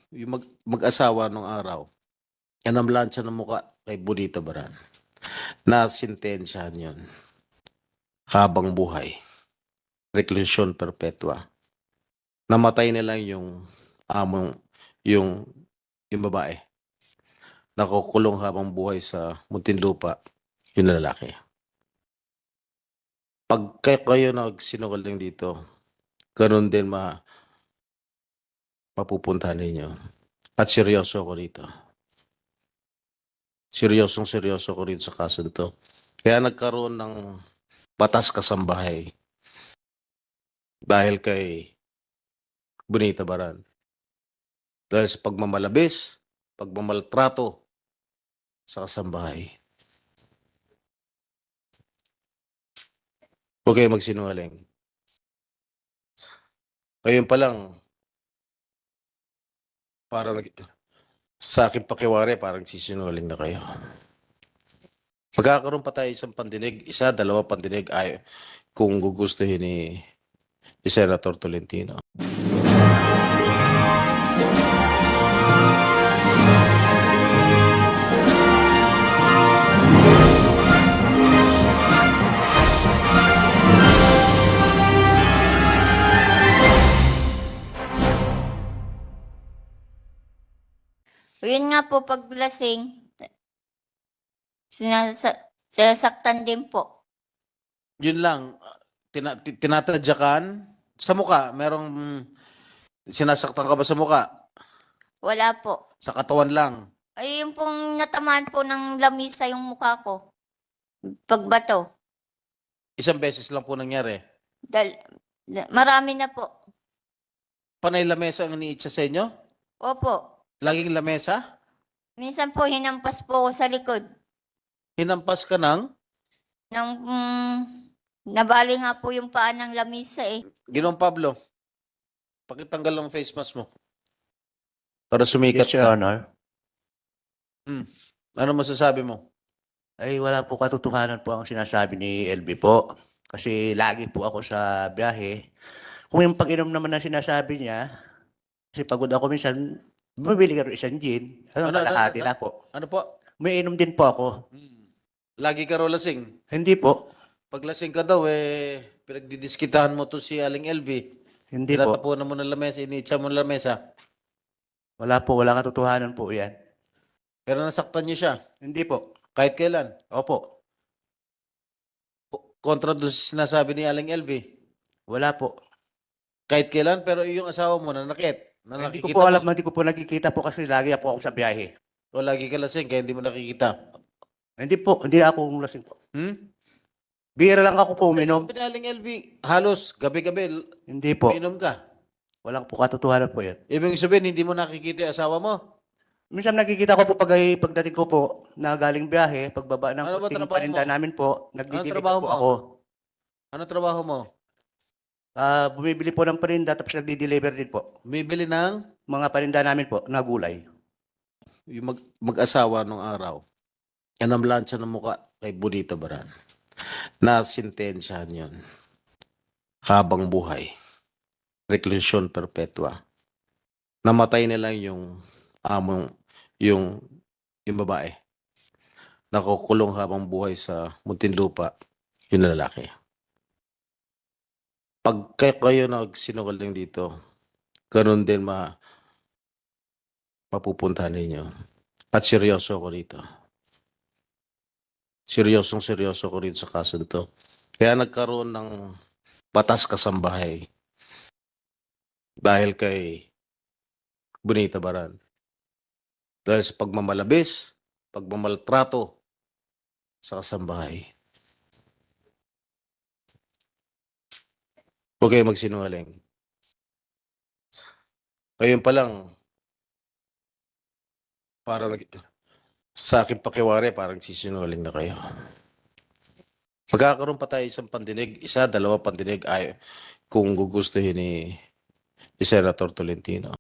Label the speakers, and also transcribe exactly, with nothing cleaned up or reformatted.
Speaker 1: yung mag, mag-asawa nung araw, anamlansya ng muka kay Bonita Baran. Nasintensyahan yun. Habang buhay. Reklusyon perpetua. Namatay na lang yung among, yung, yung babae. Nakukulong habang buhay sa Muntinlupa, yung lalaki. Pag kayo nagsinungaling dito, ganun din ma mapupuntahan ninyo. At seryoso ko rito. Seryosong seryoso ko rito sa kaso nito. Kaya nagkaroon ng batas kasambahay dahil kay Bonita Baran. Dahil sa pagmamalabis, pagmamaltrato sa kasambahay. Huwag kayo magsinungaling. Ngayon pa lang, parang sa akin pakiwari, parang sisinungaling na kayo. Magkakaroon pa tayo isang pandinig, isa, dalawa pandinig, ay, kung gugustuhin ni, ni Senator Tolentino.
Speaker 2: Yun nga po, pag lasing, sinasa sinasaktan din po.
Speaker 1: Yun lang, tina, ti- tinatadyakan sa muka, merong sinasaktan ka ba sa muka?
Speaker 2: Wala po.
Speaker 1: Sa katawan lang.
Speaker 2: Ay, yung pong natamaan po ng lamisa yung mukha ko. Pagbato.
Speaker 1: Isang beses lang po nangyari.
Speaker 2: Dal da- marami na po.
Speaker 1: Panay lamesa ang iniitsa sa inyo?
Speaker 2: Opo.
Speaker 1: Laging lamesa?
Speaker 2: Minsan po, hinampas po ako sa likod.
Speaker 1: Hinampas ka ng?
Speaker 2: Nang, mm, nabali nga po yung paa ng lamisa eh.
Speaker 1: Ginong Pablo, pakitanggal ang face mask mo. Para sumikat
Speaker 3: Yes, Your
Speaker 1: ka.
Speaker 3: Honor.
Speaker 1: Hmm. Ano masasabi mo?
Speaker 3: Ay wala po katotohanan po ang sinasabi ni L B po. Kasi lagi po ako sa biyahe. Kung yung pag-inom naman na sinasabi niya, kasi pagod ako minsan, bumibili ka rin isang gin. Ano,
Speaker 1: Ano, ano,
Speaker 3: kalahati
Speaker 1: ano?
Speaker 3: na po.
Speaker 1: Ano po?
Speaker 3: May inom din po ako.
Speaker 1: Hmm. Lagi ka raw lasing.
Speaker 3: Hindi po.
Speaker 1: Pag lasing ka daw, eh, pinagdidiskitahan mo to si Aling L V.
Speaker 3: Hindi po.
Speaker 1: Tinatapunan mo ng lamesa, iniitsa mo ng lamesa.
Speaker 3: Wala po. Wala katotohanan po yan.
Speaker 1: Pero nasaktan niyo siya.
Speaker 3: Hindi po.
Speaker 1: Kahit kailan.
Speaker 3: Opo.
Speaker 1: Kontra doon sa sinasabi ni Aling L V.
Speaker 3: Wala po.
Speaker 1: Kahit kailan, pero yung asawa mo nanakit. Na
Speaker 3: Hindi ko
Speaker 1: nakikita
Speaker 3: po alam.
Speaker 1: mo.
Speaker 3: Hindi ko po nakikita po kasi lagi po ako sa biyahe.
Speaker 1: O lagi ka lasing, kaya hindi mo nakikita.
Speaker 3: Hindi po. Hindi ako lasing po.
Speaker 1: Hmm?
Speaker 3: Bira lang ako po uminom.
Speaker 1: Sabi ni Aling L V, halos gabi-gabi,
Speaker 3: Hindi po.
Speaker 1: uminom ka.
Speaker 3: Walang po katotohanan po yan.
Speaker 1: Ibig sabihin, hindi mo nakikita yung asawa mo.
Speaker 3: Minsan nakikita ko po pag ay pagdating ko po na galing biyahe, pagbaba ng
Speaker 1: Ano ba
Speaker 3: puting
Speaker 1: trabaho
Speaker 3: paninda
Speaker 1: mo?
Speaker 3: namin po, nagdi-deliver
Speaker 1: trabaho
Speaker 3: po
Speaker 1: mo?
Speaker 3: ako.
Speaker 1: Ano trabaho mo?
Speaker 3: Ah, bumibili po ng paninda tapos nagdi-deliver din po.
Speaker 1: Bumibili ng
Speaker 3: Mga paninda namin po na gulay.
Speaker 1: yung mag, mag-asawa nung araw. Anamlansya ng muka kay Bonita Baran. Nasintensyahan yun. Habang buhay. Reklusyon perpetua. Namatay na lang yung among, yung, yung babae. Nakukulong habang buhay sa Muntinlupa, yung lalaki. Pag kayo nagsinungaling dito, ganun din ma mapupuntahan ninyo. At seryoso ko rito. Seryosong seryoso ko rito sa kaso nito. Kaya nagkaroon ng batas kasambahay dahil kay Bonita Baran. Dahil sa pagmamalabis, pagmamaltrato sa kasambahay. Huwag kayo magsinungaling. Ngayon pa lang, parang sa akin pakiwari, parang sisinungaling na kayo. Magkakaroon pa tayo isang pandinig, isa, dalawa pandinig, ay, kung gugustuhin ni, ni Senator Tolentino.